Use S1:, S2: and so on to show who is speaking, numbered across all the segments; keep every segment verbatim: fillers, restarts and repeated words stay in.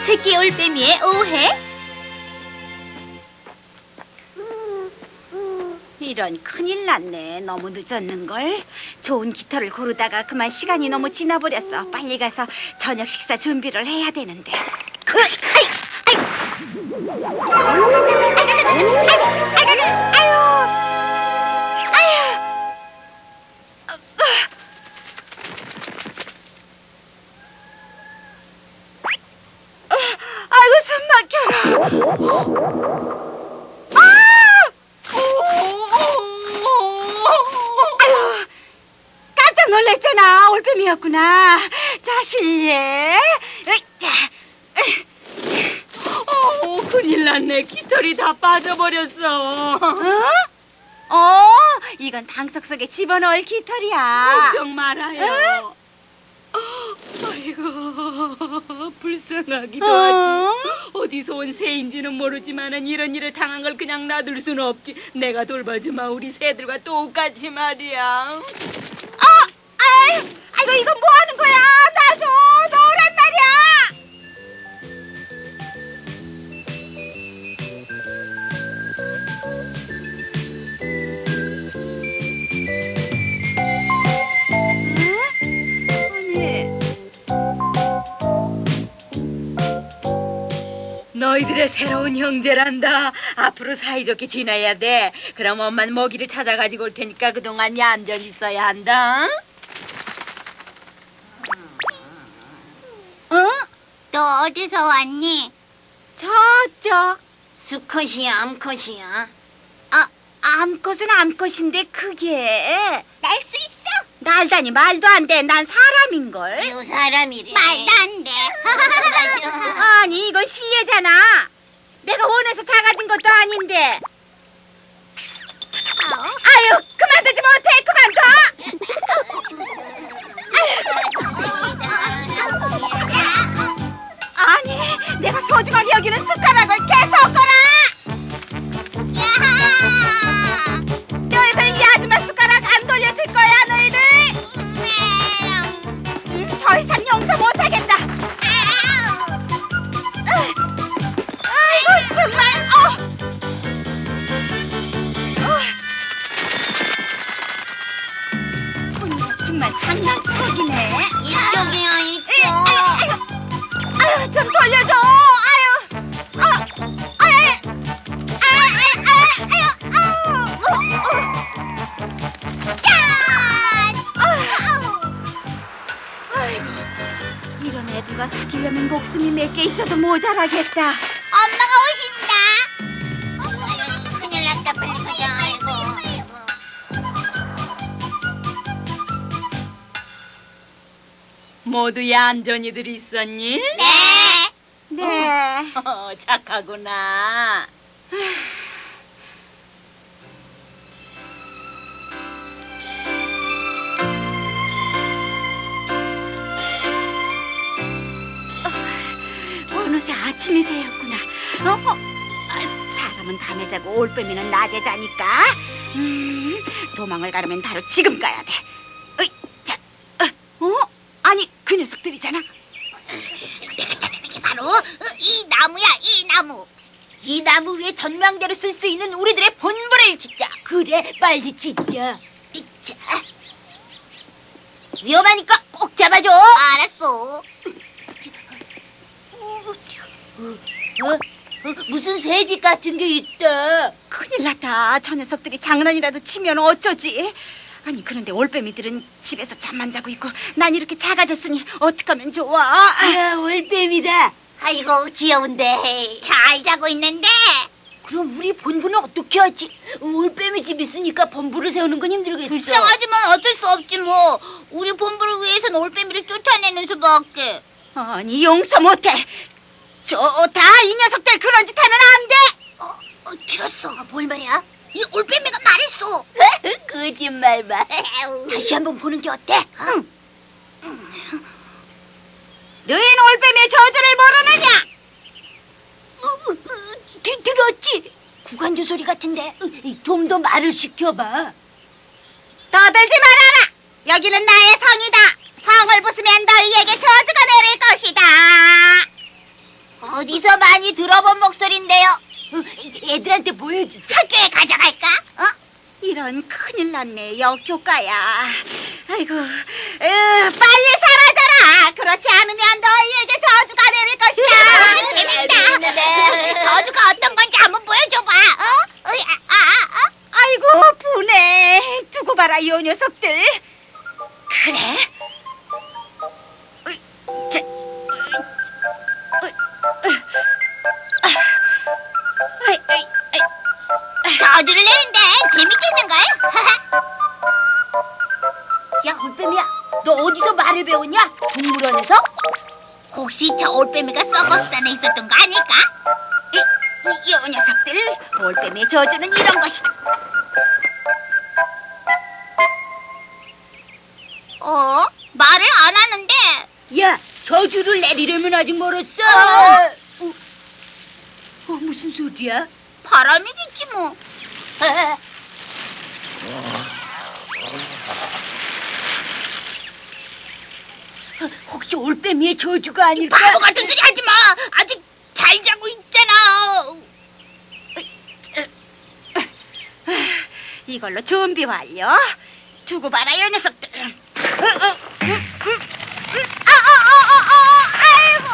S1: 새끼 올빼미의 오해?
S2: 이런 큰일 났네. 너무 늦었는걸. 좋은 깃털을 고르다가 그만 시간이 너무 지나버렸어. 빨리 가서 저녁 식사 준비를 해야 되는데. 으, 아이, 아이. 아이고, 아이고, 아이고, 아유, 아유. 어, 아이고, 숨 막혀라. 아유, 깜짝 놀랐잖아. 올빼미였구나. 자, 실례.
S3: 어, 큰일 났네. 깃털이 다 빠져버렸어.
S2: 어? 어, 이건 방석 속에 집어넣을 깃털이야.
S3: 걱정 말아요. 아이고, 불쌍하기도
S2: 어?
S3: 하지. 어디서 온 새인지는 모르지만은 이런 일을 당한 걸 그냥 놔둘 수는 없지. 내가 돌봐주마. 우리 새들과 똑같이 말이야.
S2: 어, 아이, 아이고, 이건 뭐 하는 거야? 놔줘, 넣으란 말이야.
S3: 너희들의 새로운 형제란다. 앞으로 사이좋게 지내야 돼. 그럼 엄마는 먹이를 찾아가지고 올 테니까 그동안 얌전히 있어야 한다.
S2: 응?
S1: 너 어디서 왔니?
S2: 저쪽.
S1: 수컷이야, 암컷이야?
S2: 아, 암컷은 암컷인데 그게
S1: 날 수 있어?
S2: 날다니 말도 안 돼. 난 사람인걸.
S1: 요 사람이래. 말도 안 돼.
S2: 아니, 이건 실례잖아. 내가 원해서 작아진 것도 아닌데. 아유, 그만두지 못해. 그만둬. 아니, 내가 소중하게 여기는 숟가락을 계속 꺼라. 너희들 이 아줌마 숟가락 안 돌려줄 거야, 너희들. 음, 더 이상 용서 못하겠다. 아이고, 정말. 어. 어. 녀석 정말 장난꾸러기네.
S1: 이쪽이야,
S2: 에이,
S1: 이쪽.
S2: 아유, 아유, 아유, 좀 돌려줘. 아유, 어, 아유, 아유, 아유, 아유, 아유, 어, 어. 짠! 아이고, 이런 애들과 사귀려면 목숨이 몇 개 있어도 모자라겠다.
S1: 엄마가 오신다. 어머, 큰일 났다. 빨리 가자. 아이고.
S3: 모두 얌전히들 있었니?
S1: 네.
S2: 네.
S3: 어, 착하구나.
S2: 어느새 아침이 되었구나. 어? 아, 사람은 밤에 자고 올빼미는 낮에 자니까. 음, 도망을 가려면 바로 지금 가야 돼. 어이, 자, 어? 어? 아니, 그 녀석들이잖아.
S1: 내가 찾아낸 게 바로 어, 이 나무야, 이 나무. 이 나무 위에 전망대로 쓸 수 있는 우리들의 본분을 짓자.
S3: 그래, 빨리 짓자.
S1: 자, 위험하니까 꼭 잡아줘. 알았어. 어? 어? 무슨 새집 같은 게 있다.
S2: 큰일 났다. 저 녀석들이 장난이라도 치면 어쩌지? 아니, 그런데 올빼미들은 집에서 잠만 자고 있고 난 이렇게 작아졌으니 어떡하면 좋아?
S3: 아, 올빼미다.
S1: 아이고, 귀여운데. 잘 자고 있는데.
S3: 그럼 우리 본부는 어떻게 하지? 올빼미 집 있으니까 본부를 세우는 건 힘들겠어.
S1: 불쌍하지만 어쩔 수 없지 뭐. 우리 본부를 위해선 올빼미를 쫓아내는 수밖에.
S2: 아니, 용서 못해. 좋다. 이 녀석들 그런 짓 하면 안 돼.
S1: 어, 어 들었어. 뭘 말이야? 이 올빼미가 말했어.
S3: 거짓말 마.
S1: 다시 한번 보는 게 어때? 응.
S2: 너희는 올빼미의 저주를 모르느냐?
S1: 어, 어, 들, 들었지? 구간조 소리 같은데.
S3: 좀 더 말을 시켜봐.
S2: 떠들지 말아라. 여기는 나의 성이다. 성을 부수면 너희에게 저주가 내릴 것이다.
S1: 어디서 많이 들어본 목소리인데요.
S3: 애들한테 보여주자.
S1: 학교에 가져갈까? 어?
S2: 이런 큰일 났네, 역효과야. 아이고, 으, 빨리 사라져라. 그렇지 않으면 너희에게 저주가 내릴 것이다.
S1: 재밌다. 저주가 어떤 건지 한번 보여줘봐. 어? 어이, 아, 아, 아, 어?
S2: 아이고, 분해. 두고 봐라, 이 녀석들. 그래? 으이, 저, 으이, 으이, 아, 아이, 아이, 아이.
S1: 저주를 내는데 재밌겠는걸? 야, 올빼미야, 너 어디서 말을 배웠냐? 동물원에서? 혹시 저 올빼미가 서커스단에 있었던 거 아닐까?
S2: 이, 이, 이 녀석들, 올빼미의 저주는 이런 것이다.
S1: 어? 말을 안 하는데.
S3: 야, 저주를 내리려면 아직 멀었어.
S1: 어.
S3: 어, 어, 무슨 소리야?
S1: 바람이겠지 뭐.
S3: 혹시 올빼미의 저주가 아닐까?
S1: 바보 같은 소리 하지 마. 아직 잘 자고 있잖아.
S2: 이걸로 준비 완료. 두고 봐라, 이 녀석들. 으, 으, 음, 음, 음. 아, 아, 아, 아, 아, 아이고.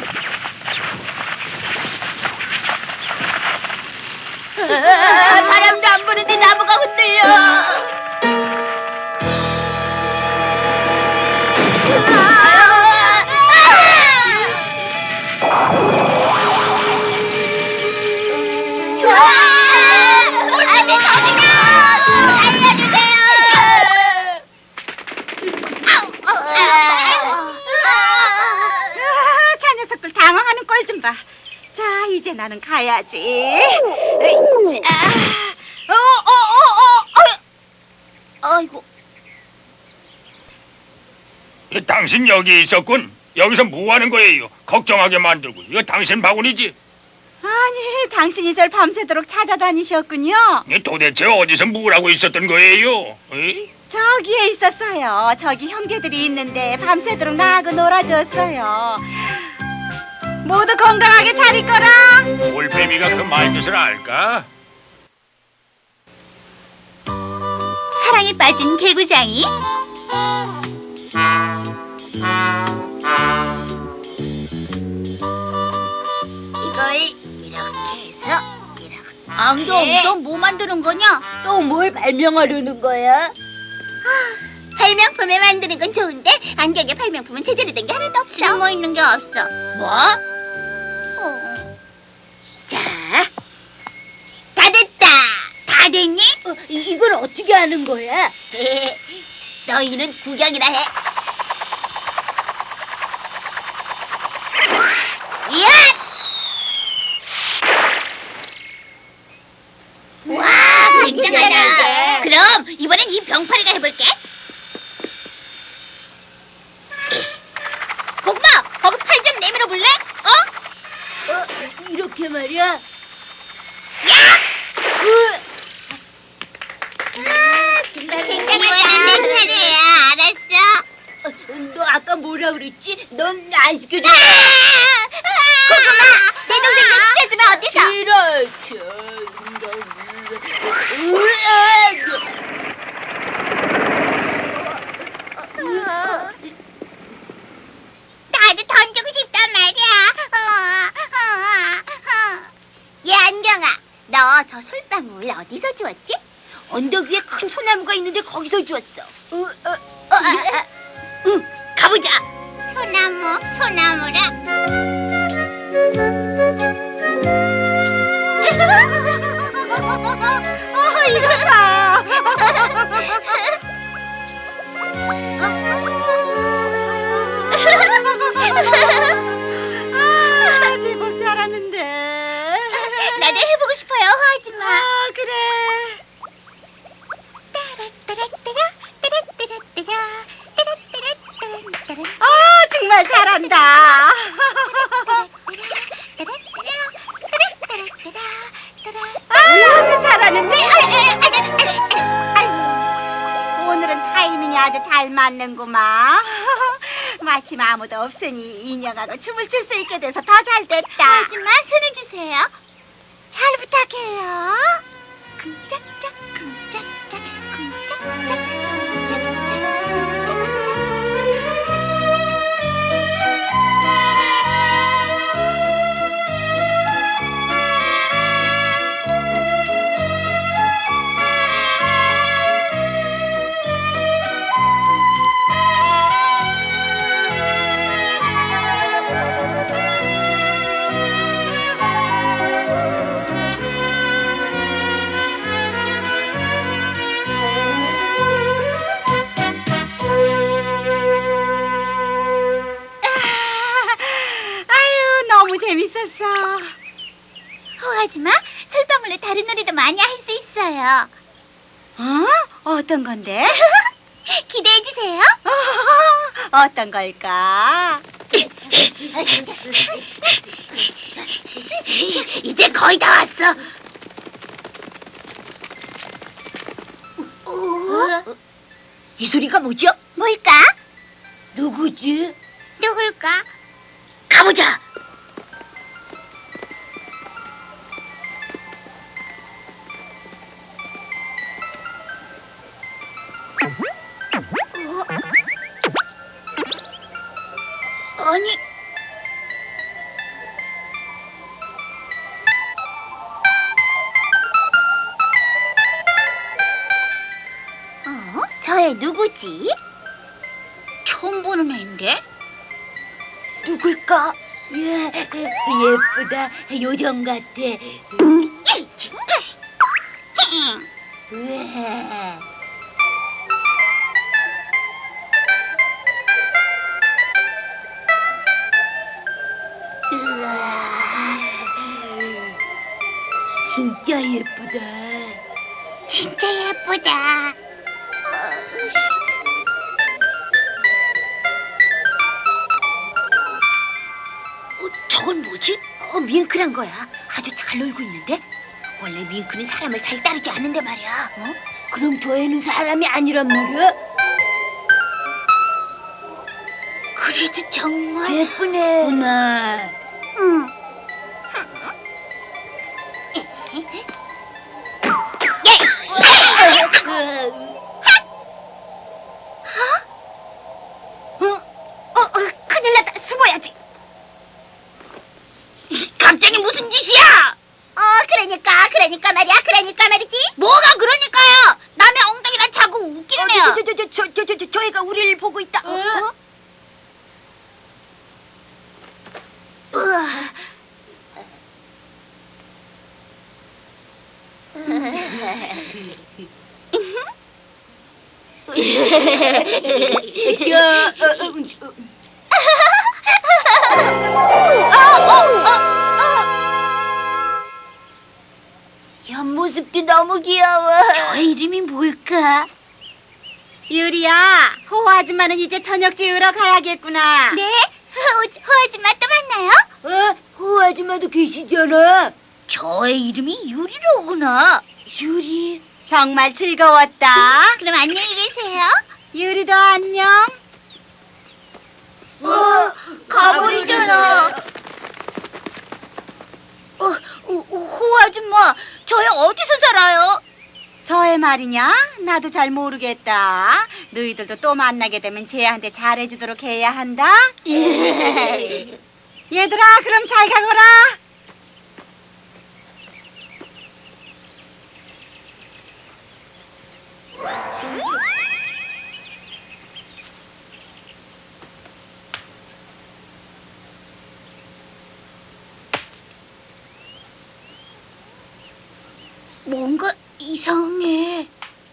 S1: 아, 바람도 안 부는데 나무가 흔들려. 올빼미 저주가 살려주세요.
S2: 아, 저 녀석들 당황하는 꼴 좀 봐. 자, 이제 나는 가야지. 으이, 자, 어, 어, 어, 어, 어.
S1: 아이고.
S4: 이, 당신 여기 있었군. 여기서 뭐 하는 거예요? 걱정하게 만들고. 이거 당신 바구니지?
S2: 아니, 당신이 절 밤새도록 찾아다니셨군요.
S4: 이, 도대체 어디서 뭘 하고 있었던 거예요? 이?
S2: 저기에 있었어요. 저기 형제들이 있는데 밤새도록 나하고 놀아줬어요. 모두 건강하게 잘 있거라.
S4: 올빼미가 그 말뜻을 알까?
S1: 사랑에 빠진 개구장이 이걸 이렇게 해서 이렇게. 안경, 너 뭐 만드는 거냐?
S3: 또 뭘 발명하려는 거야?
S1: 발명품을 만드는 건 좋은데 안경에 발명품은 제대로 된 게 하나도 없어. 쓸모 있는 게 없어. 뭐? 어. 자, 다 됐다. 다 됐니?
S3: 어, 이, 이걸 어떻게 하는 거야?
S1: 너희는 구경이라 해. 이야! 와, 굉장하다. 그럼 이번엔 이 병파리가 해볼게. 고구마, 거기 팔 좀 내밀어 볼래? 어?
S3: 어, 이렇게 말이야.
S1: 야!
S3: 으,
S1: 아, 정말 굉장하다. 이번엔 내 차례야. 알았어.
S3: 어, 너 아까 뭐라 그랬지? 넌 안 시켜줘.
S1: 고구마, 내 동생 좀 시켜주면 어때서?
S3: 싫어.
S1: 나도 던지고 싶단 말이야. 어, 어, 어. 얘 안경아, 너 저 솔방울 어디서 주웠지? 언덕 위에 큰 소나무가 있는데 거기서 주웠어.
S3: 어, 어,
S1: 어, 아, 아.
S3: 응, 가보자.
S1: 소나무, 소나무라.
S2: 어, 이걸 봐. 아, 제법 잘하는데.
S1: 나도 해보고 싶어요. 하지 마.
S2: 아, 그래. 아, 정말 잘한다. 아, 아주 잘하는데. 오늘은 타이밍이 아주 잘 맞는구만. 마침 아무도 없으니 인형하고 춤을 출 수 있게 돼서 더 잘 됐다.
S1: 하지만 손을 주세요. 잘 부탁해요. 쿵짝짝 쿵짝짝 쿵짝짝 쿵짝짝
S2: 아유, 너무 재밌었어.
S1: 호하지마, 솔방울로 다른 놀이도 많이 할 수 있어요.
S2: 어? 어떤 건데?
S1: 기대해 주세요.
S2: 어떤 걸까?
S1: 이제 거의 다 왔어. 어?
S3: 이 소리가 뭐죠?
S1: 뭘까?
S3: 누구지?
S1: 누굴까?
S3: 가보자.
S1: 아니, 어? 저 애 누구지? 처음 보는 애인데?
S3: 누굴까? 예, 예쁘다. 요정 같아.
S1: 이, 진짜.
S3: 우와. 진짜 예쁘다.
S1: 진짜 예쁘다.
S3: 어, 저건 뭐지? 어, 밍크란 거야. 아주 잘 놀고 있는데? 원래 밍크는 사람을 잘 따르지 않는데 말이야. 어? 그럼 저 애는 사람이 아니란 말이야?
S1: 그래도 정말
S3: 예쁘네. 구나.
S1: 응.
S3: 어? 어, 어, 큰일 났다. 숨어야지.
S1: 갑자기 무슨 짓이야? 어, 그러니까, 그러니까 말이야, 그러니까 말이지. 뭐가 그러니까요? 남의 엉덩이랑 자꾸 웃기네요.
S3: 어, 저, 저, 저, 저, 저, 저, 저, 저 애가 우리를 보고 있다. 어? 어?
S1: 우와.
S3: 저, 어, 어, 어. 옆모습도 너무 귀여워.
S1: 저 이름이 뭘까?
S2: 유리야, 호호 아줌마는 이제 저녁 지으러 가야겠구나.
S1: 네? 호, 호 아줌마 또 만나요?
S3: 어? 호 아줌마도 계시잖아.
S1: 저의 이름이 유리로구나.
S3: 유리.
S2: 정말 즐거웠다.
S1: 그럼 안녕히 계세요.
S2: 유리도 안녕.
S1: 어, 가버리잖아. 어, 어, 호 아줌마, 저희 어디서 살아요?
S2: 저의 말이냐? 나도 잘 모르겠다. 너희들도 또 만나게 되면 쟤한테 잘해주도록 해야 한다. 얘들아, 그럼 잘 가거라.
S1: 뭔가 이상해.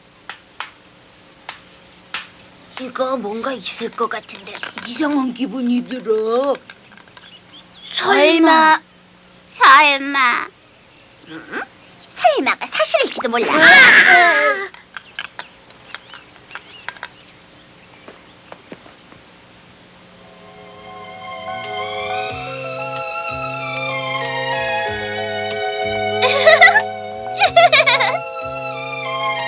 S3: 이거 뭔가 있을 것 같은데 이상한 기분이 들어.
S1: 설마, 설마, 음? 설마가 사실일지도 몰라. 아!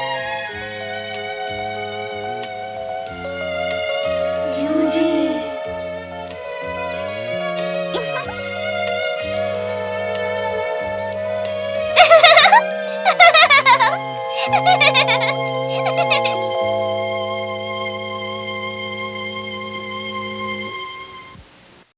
S3: 유리.